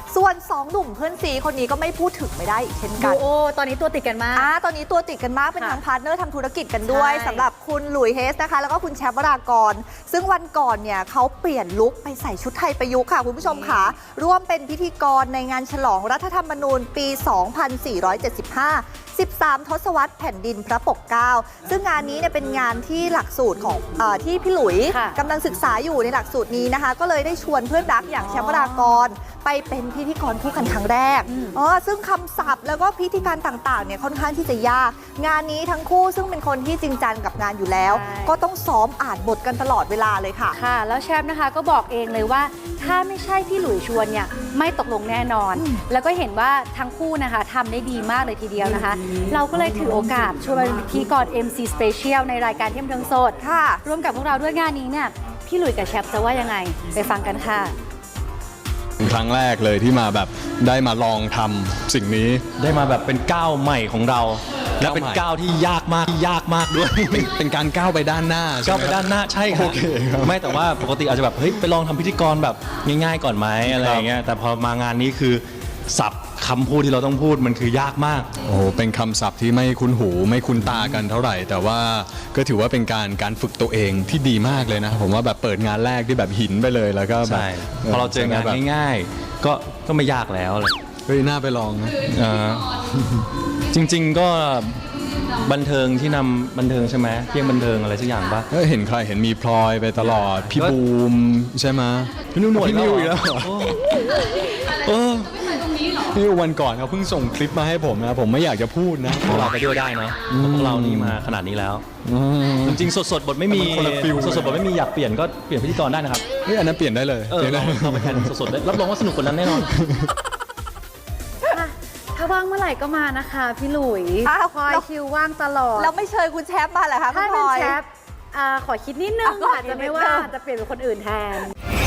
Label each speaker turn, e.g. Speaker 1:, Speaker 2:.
Speaker 1: ส่วน2หนุ่มเพื่อนซีคนนี้ก็ไม่พูดถึงไม่ได้อีกเช่นกัน
Speaker 2: โอ้ตอนนี้ตัวติดกันมาก
Speaker 1: ตอนนี้ตัวติดกันมากเป็นทั้งพาร์ทเนอร์ทำธุรกิจกันด้วยสำหรับคุณหลุยส์เฮสนะคะแล้วก็คุณแชมป์วรากรซึ่งวันก่อนเนี่ยเขาเปลี่ยนลุคไปใส่ชุดไทยประยุกต์ค่ะคุณผู้ชมค่ะร่วมเป็นพิธีกรในงานฉลองรัฐธรรมนูญปี 2475 13 ทศวรรษแผ่นดินพระปกเกล้าซึ่งงานนี้เนี่ยเป็นงานที่หลักสูตรของที่พี่หลุยกำลังศึกษาอยู่ในหลักสูตรนี้นะคะก็เลยได้ชวนเพื่อนรักอย่างแชมป์วรากรไปเป็นพิธีกรคู่กันครั้งแรกซึ่งคำศัพท์แล้วก็พิธีการต่างๆเนี่ยค่อนข้างที่จะยากงานนี้ทั้งคู่ซึ่งเป็นคนที่จริงจังกับงานอยู่แล้วก็ต้องซ้อมอ่านบทกันตลอดเวลาเลยค่ะ
Speaker 2: ค่ะแล้วแชมป์นะคะก็บอกเองเลยว่าถ้าไม่ใช่พี่หลุยชวนเนี่ยไม่ตกลงแน่นอนแล้วก็เห็นว่าทั้งคู่นะคะทำได้ดีมากเลยทีเดียวนะคะเราก็เลยถือโอกาสชวนเป็นพิธีกร MC Special ในรายการเที่ยงเทิงสด
Speaker 1: ค่ะ
Speaker 2: ร่วมกับพวกเราด้วยงานนี้เนี่ยพี่หลุยกับแชมป์จะว่ายังไงไปฟังกันค่ะ
Speaker 3: ครั้งแรกเลยที่มาแบบได้มาลองทำสิ่งนี้
Speaker 4: ได้มาแบบเป็นก้าวใหม่ของเราและเป็นก้าวที่ยากมากด้วย
Speaker 3: เป็นการก้าวไปด้านหน้า
Speaker 4: ก้าวไปด้านหน้าใช่ครับไม่แต่ว่าปกติอาจจะแบบเฮ้ยไปลองทำพิธีกรแบบง่ายๆก่อนไหมอะไรอย่างเงี้ยแต่พอมางานนี้คือศัพท์คำพูดที่เราต้องพูดมันคือยากมาก
Speaker 3: โอ้โหเป็นคำศัพท์ที่ไม่คุ้นหูไม่คุ้นตากันเท่าไหร่แต่ว่าก็ถือว่าเป็นการฝึกตัวเองที่ดีมากเลยนะผมว่าแบบเปิดงานแรกที่แบบหินไปเลยแล้วก็แบบ
Speaker 4: พอเราเจองานง่ายๆก็ไม่ยากแล้วเลย
Speaker 3: เฮ้ยน่าไปลองนะ
Speaker 4: จริงๆก็บันเทิงที่นำบันเทิงใช่ไหมเพียงบันเทิงอะไรสักอย่างป่ะ
Speaker 3: เห็นใครเห็นมีพลอยไปตลอดพี่บูมใช่ไหม
Speaker 4: พี่นุ่นหนวด
Speaker 3: พี่นิวอีกแล้วพี่วันก่อนเขาเพิ่งส่งคลิปมาให้ผมนะผมไม่อยากจะพูดนะ
Speaker 4: พวกเราไปด้วยได้เนาะพวกเรานี่มาขนาดนี้แล้วจริงๆสดๆบทไม่มีสดๆบทไม่มีอยากเปลี่ยนก็เปลี่ยนพิธีกรได้นะครับ
Speaker 3: อันนั้นเปลี่ยนได้เลย
Speaker 4: เราไปแข่งสดๆได้รับรองว่าสนุกกว่านั้นแน่นอน
Speaker 2: ถ้าว่างเมื่อไหร่ก็มานะคะพี่หลุยพลอยคิวว่างตลอด
Speaker 1: แล้วไม่เชิญคุณแชมป์มาเหรอคะ
Speaker 2: ถ้าเป็นแชมป์ขอคิดนิดนึงอาจจะไม่ว่าจะเปลี่ยนเป็นคนอื่นแทน